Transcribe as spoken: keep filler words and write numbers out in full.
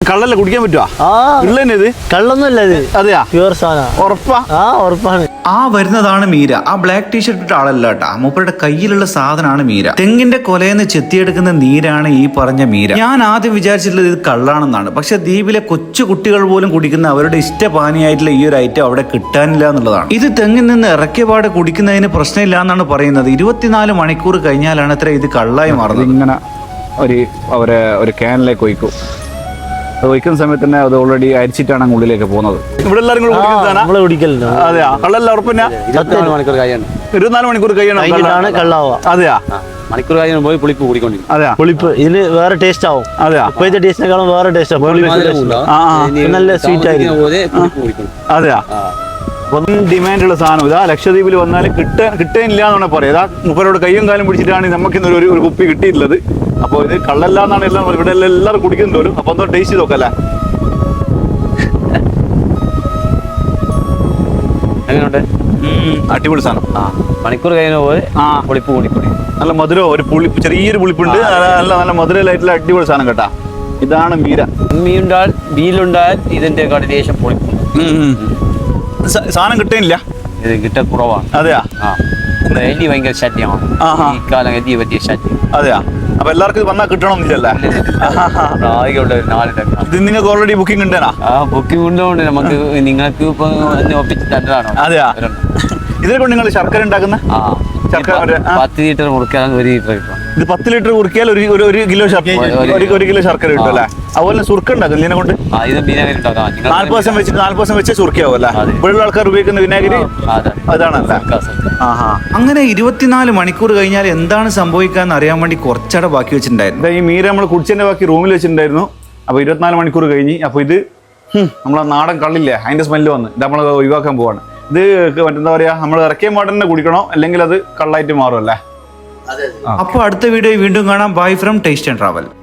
കള്ളല്ല കുടിക്കാൻ പറ്റുവാ? ഇത് കള്ളൊന്നുമല്ല ഇത്. അതെയാ? പ്യൂർ സാധനം. ഉറപ്പാ? ആ ഉറപ്പാണ്. ആ വരുന്നതാണ് മീര. ആ ബ്ലാക്ക് ടീഷർട്ട് ഇട്ട ആളല്ല കേട്ടാ, മൂപ്പരുടെ കയ്യിലുള്ള സാധനമാണ് മീര. തെങ്ങിന്റെ കൊലയെന്ന് ചെത്തിയെടുക്കുന്ന നീരാണ് ഈ പറഞ്ഞ മീര. ഞാൻ ആദ്യം വിചാരിച്ചിട്ടുള്ളത് ഇത് കള്ളാണെന്നാണ്. പക്ഷെ ദ്വീപിലെ കൊച്ചു കുട്ടികൾ പോലും കുടിക്കുന്ന അവരുടെ ഇഷ്ടപാനിയായിട്ടുള്ള ഈ ഒരു ഐറ്റം അവിടെ കിട്ടാനില്ല എന്നുള്ളതാണ്. ഇത് തെങ്ങിൽ നിന്ന് ഇറക്കിയ പാടെ കുടിക്കുന്നതിന് പ്രശ്നമില്ല എന്നാണ് പറയുന്നത്. ഇരുപത്തിനാല് മണിക്കൂർ കഴിഞ്ഞാലാണ് അത്ര ഇത് കള്ളായി മാറുന്നത്. ഇങ്ങനെ ഒരു അവരെ ഒരു ക്യാനിലേക്ക് ഒഴിക്കും. അത് ഒഴിക്കുന്ന സമയത്ത് തന്നെ അത് ഓൾറെഡി അരിച്ചിട്ടാണ് അങ്ങ് ഉള്ളിലേക്ക് പോകുന്നത്. ഇവിടെ എല്ലാവരും നമ്മള് കുടിക്കലുണ്ട്. അതെയാ? കള്ളല്ല ഉറപ്പില്ല? ഇരുപത്തിനാല് മണിക്കൂർ കഴിയാണ്. ഇരുപത്തിനാല് മണിക്കൂർ കഴിയണം കള്ളാവുക. അതെയാ? മണിക്കൂർ കഴിയാൻ പോയി പുളിപ്പ് കൂടിക്കൊണ്ടിരിക്കും. അതെയാ? പുളിപ്പ് ഇതിന് വേറെ ടേസ്റ്റ് ആവും. അതെയാ? ഇപ്പോഴത്തെ ടേസ്റ്റിനെക്കാളും വേറെ ടേസ്റ്റ് ആവും. നല്ല സ്വീറ്റ് ആയിരിക്കും. അതെയാ? ഒന്നും ഡിമാൻഡുള്ള സാധനം ഇതാ. ലക്ഷദ്വീപിൽ വന്നാൽ കിട്ടാൻ കിട്ടാനില്ല എന്നാണ് പറയാം. ഇതാ മുപ്പരോട് കയ്യും കാലം പിടിച്ചിട്ടാണ് നമുക്ക് ഇന്നൊരു ഒരു കുപ്പി കിട്ടിയിട്ടുള്ളത്. അപ്പോൾ ഇത് കള്ളല്ല എന്നാണ് എല്ലാം ഇവിടെ എല്ലാം എല്ലാവരും കുടിക്കുന്നത് പോലും. അപ്പൊ ഒന്ന് ടേസ്റ്റ് ചെയ്ത് നോക്കല്ലേ? എങ്ങനെയുണ്ട്? അടിപൊളി സാധനം. ആ മണിക്കൂർ കഴിഞ്ഞ പോലെ ആ പുളിപ്പ് കൂടിക്കൂടി നല്ല മധുരം, ഒരു പുളി ചെറിയൊരു പുളിപ്പുണ്ട്. നല്ല നല്ല മധുരമായിട്ടുള്ള അടിപൊളി സാധനം കേട്ടാ. ഇതാണ് മീര. മീനുണ്ടാൽ ബീലുണ്ടാൽ ഇതിന്റെ ദേശം പൊളിപ്പും സാധനം കിട്ടാനില്ല. ഇത് കിട്ട കുറവാണ്. അതെയാ? ആ എലി ഭയങ്കര ശല്യമാണ് ഈ കാലം. എലി പറ്റിയ ശല്യം. അതെയാ? അപ്പൊ എല്ലാവർക്കും ഇത് വന്നാൽ കിട്ടണമെന്നില്ലല്ലേ? ഇത് നിങ്ങൾക്ക് ഓൾറെഡി ബുക്കിംഗ് ഉണ്ടേനാ? ആ ബുക്കിംഗ് ഉണ്ടോണ്ട് നമുക്ക് നിങ്ങൾക്ക് ഇപ്പൊ ഒപ്പിച്ച് തന്നതാണോ? അതെയാ? ഇതിനെ കൊണ്ട് നിങ്ങൾ ശർക്കര ഉണ്ടാക്കുന്ന പത്ത് ലിറ്റർ മുറിക്കാൻ ഒരു ലിറ്റർ കിട്ടും. ഇത് പത്ത് ലിറ്റർ കുറിക്കിയാൽ ഒരു ഒരു കിലോ ഒരു കിലോ ശർക്കര കിട്ടും അല്ലേ? അതുപോലെ സുർക്ക ഉണ്ടാക്കും ഇതിനെ കൊണ്ട്. നാല് പെർസെന്റ് വെച്ചിട്ട് നാല് പെർസെന്റ് വെച്ച് സുർക്കയാവും അല്ലേ? ഇവിടെയുള്ള ആൾക്കാർ ഉപയോഗിക്കുന്ന വിനാഗിരി അതാണല്ലേ? അങ്ങനെ ഇരുപത്തിനാല് മണിക്കൂർ കഴിഞ്ഞാൽ എന്താണ് സംഭവിക്കാന്ന് അറിയാൻ വേണ്ടി കുറച്ചട ബാക്കി വെച്ചിട്ടുണ്ടായിരുന്നു. ഈ മീര നമ്മൾ കുടിച്ചതിന്റെ ബാക്കി റൂമിൽ വെച്ചിട്ടുണ്ടായിരുന്നു. അപ്പൊ ഇരുപത്തിനാല് മണിക്കൂർ കഴിഞ്ഞ് അപ്പൊ ഇത് നമ്മളെ നാടൻ കള്ളില്ലേ അതിന്റെ സ്മെല്ല് വന്ന് ഇത് നമ്മൾ ഒഴിവാക്കാൻ പോവാണ്. ഇത് മറ്റെന്താ പറയാ, നമ്മൾ ഇറക്കിയ മാട്ടം തന്നെ കുടിക്കണോ അല്ലെങ്കിൽ അത് കള്ളായിട്ട് മാറും അല്ലേ? അപ്പൊ അടുത്ത വീഡിയോ വീണ്ടും കാണാം. Bye from taste and travel.